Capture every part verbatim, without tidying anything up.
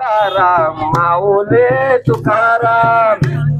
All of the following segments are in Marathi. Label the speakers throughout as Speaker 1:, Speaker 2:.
Speaker 1: तुकाराम माऊले तुकाराम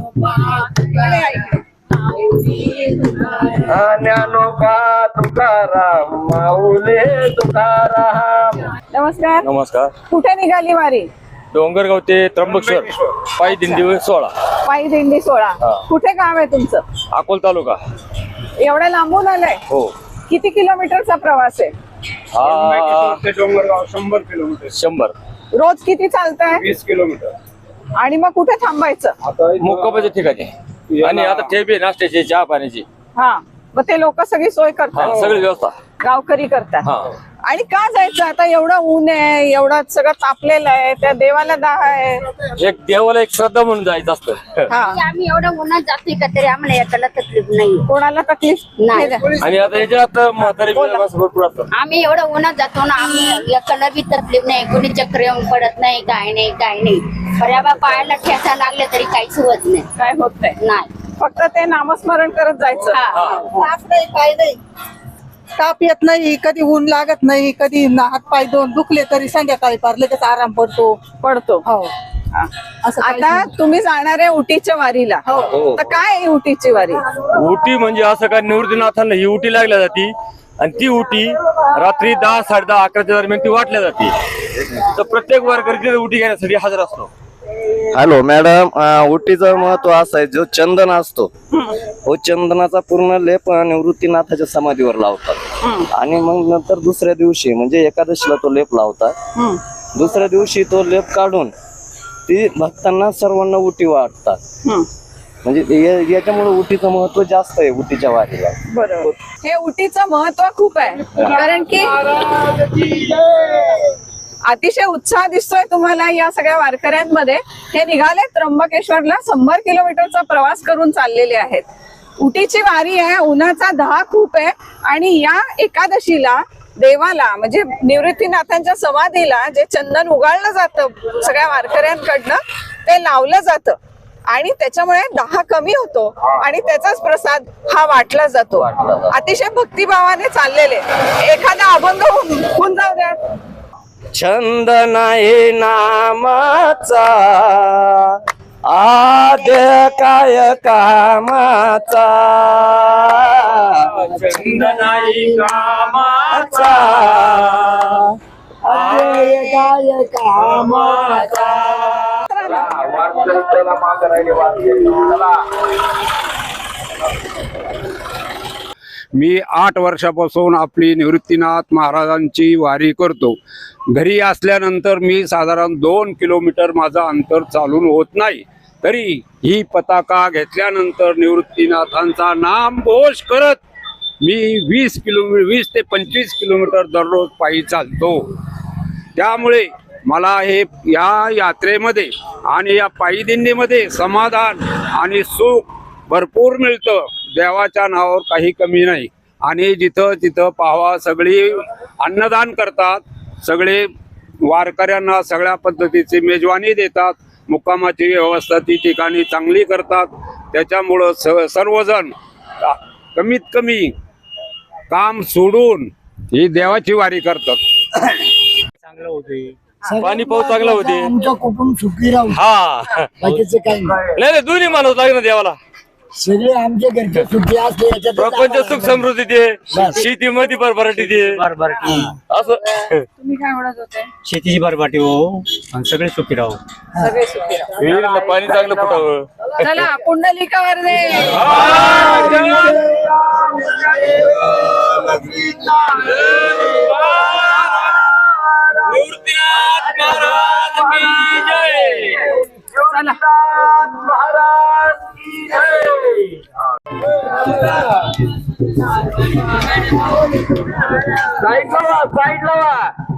Speaker 1: ज्ञानोबा तुकाराम माऊले तुकाराम.
Speaker 2: नमस्कार.
Speaker 3: नमस्कार.
Speaker 2: कुठे निघाली वारी?
Speaker 3: डोंगरगाव ते त्र्यंबकेश्वर पायी दिंडी सोळा.
Speaker 2: पायी दिंडी सोळा. कुठे गाव आहे तुमचं?
Speaker 3: अकोल तालुका.
Speaker 2: एवढ्या लांबून आलाय?
Speaker 3: हो.
Speaker 2: किती किलोमीटरचा प्रवास आहे?
Speaker 1: डोंगरगाव शंभर किलोमीटर.
Speaker 3: शंभर.
Speaker 2: रोज किती चालताय?
Speaker 1: वीस किलोमीटर.
Speaker 2: आणि मग कुठे थांबायचं?
Speaker 3: मुक्कामाच्या ठिकाणी आणि आता ठेपे नाश्त्याची चहा पाण्याची
Speaker 2: हा, मग ते लोक सगळी सोय करतात,
Speaker 3: सगळी व्यवस्था
Speaker 2: गावकरी करतात.
Speaker 3: हा.
Speaker 2: आणि का जायचं आता? एवढं ऊन आहे, एवढं सगळं तापलेलं आहे, त्या देवाला दाह आहे.
Speaker 3: एक देवाला एक श्रद्धा म्हणून जायचं असतं.
Speaker 2: हा.
Speaker 4: आम्ही एवढं उन्हात जातोय का तरी आम्हाला याच्याला तकलीफ नाही.
Speaker 2: कोणाला तकलीफ
Speaker 4: नाही.
Speaker 3: आणि आता याच्यात म्हातारी माणसं भरपूर असतात.
Speaker 4: आम्ही एवढं उन्हात जातो ना, आम्ही याच्याला बी तकलीफ नाही. कोणी चक्र येऊन पडत नाही, काय नाही काय नाही. पर्याबा पायाला ठेचा लागले तरी काहीच होत नाही.
Speaker 2: काय होत नाही.
Speaker 4: नाही.
Speaker 2: फक्त ते नामस्मरण करत जायचं.
Speaker 5: ताप नाही, काय नाही. ताप येत नाही, कधी ऊन लागत नाही, कधी हात पाय दोन दुखले तरी संध्याकाळी पार लगेच आराम पडतो
Speaker 2: पडतो.
Speaker 5: हो. असं
Speaker 2: आता तुम्ही जाणार आहे उटीच्या वारीला.
Speaker 3: हो.
Speaker 2: तर काय आहे उटीची वारी?
Speaker 3: उटी म्हणजे असं काय निवृत्तीनाथांना ही उटी लागल्या जाती आणि ती उटी रात्री दहा साडे दहा अकराच्या दरम्यान ती वाटल्या जाते. तर प्रत्येक वारकरी उटी घेण्यासाठी हजर असतो.
Speaker 6: हॅलो मॅडम, उटीचं महत्व असं आहे, जो चंदन असतो तो चंदनाचा पूर्ण लेप निवृत्तीनाथाच्या समाधीवर लावतात आणि मग नंतर दुसऱ्या दिवशी म्हणजे एकादशीला तो लेप लावतात. दुसऱ्या दिवशी तो लेप काढून ती भक्तांना सर्वांना उटी वाटतात. म्हणजे याच्यामुळे उटीचं महत्व जास्त आहे उटीच्या वारीला.
Speaker 2: बरोबर. हे उटीचं महत्व खूप आहे, कारण की अतिशय उत्साह दिसतोय तुम्हाला या सगळ्या वारकऱ्यांमध्ये. हे निघाले त्र्यंबकेश्वरला, शंभर किलोमीटरचा प्रवास करून चाललेले आहेत. उटीची वारी आहे, उन्हाचा दहा खूप आहे आणि या एकादशीला देवाला म्हणजे निवृत्तीनाथांच्या समाधीला जे चंदन उगाळलं जातं सगळ्या वारकऱ्यांकडनं ते लावलं जातं आणि त्याच्यामुळे दाह कमी होतो आणि त्याचाच प्रसाद हा वाटला जातो. अतिशय भक्तिभावाने चाललेले. एखादा अभंग होऊन जाऊ द्या.
Speaker 6: छंद नाही नामाचा आद्य काय कामाचा,
Speaker 1: छंद नाही कामाचा
Speaker 6: आद्य काय कामाचा.
Speaker 1: वारकऱ्याला मागं राहिले वारकरी.
Speaker 7: मी आठ वर्षापासून आपली निवृत्तीनाथ महाराजांची वारी करतो. घरी असल्यानंतर मी साधारण दोन किलोमीटर माझं अंतर चालून होत नाही, तरी ही पताका घेतल्यानंतर निवृत्तीनाथांचा नाम घोष करत मी वीस किलोमीटर वीस ते पंचवीस किलोमीटर दररोज पायी चालतो. त्यामुळे मला हे या यात्रेमध्ये आणि या पायी दिंडीमध्ये समाधान आणि सुख भरपूर मिळतं. देवाच्या नावावर काही कमी नाही. आणि जिथं तिथं पाहावा सगळी अन्नदान करतात, सगळे वारकऱ्यांना सगळ्या पद्धतीची मेजवानी देतात, मुक्कामाची व्यवस्था ती ठिकाणी चांगली करतात. त्याच्यामुळं स सर्वजण कमीत कमी काम सोडून ही देवाची वारी करतात.
Speaker 3: चांगलं होते, पाणी पाऊस चांगला होते,
Speaker 8: आमचं कुटुंब सुखी राहू.
Speaker 3: हा
Speaker 8: बाकीचं काही नाही.
Speaker 3: नाही तुम्ही मानव लागेल ना देवाला.
Speaker 8: सगळे आमच्या घरचे सुखी असले याच्यात
Speaker 3: प्रपंच सुख समृद्धी दे, शेतीमध्ये भरभराटी दे, असं.
Speaker 2: तुम्ही काय म्हणत होते?
Speaker 9: शेतीची भरभराटी हो आणि सगळे सुखी राहू.
Speaker 2: सगळे सुखी राहा.
Speaker 3: विहिरीला पाणी चांगलं फुटावं.
Speaker 2: चला पुंडलिकावर दे.
Speaker 3: निवृत्तीनाथ महाराज की जय.
Speaker 2: चला.
Speaker 1: महाराज की जय. साईड लावा, साईड लावा.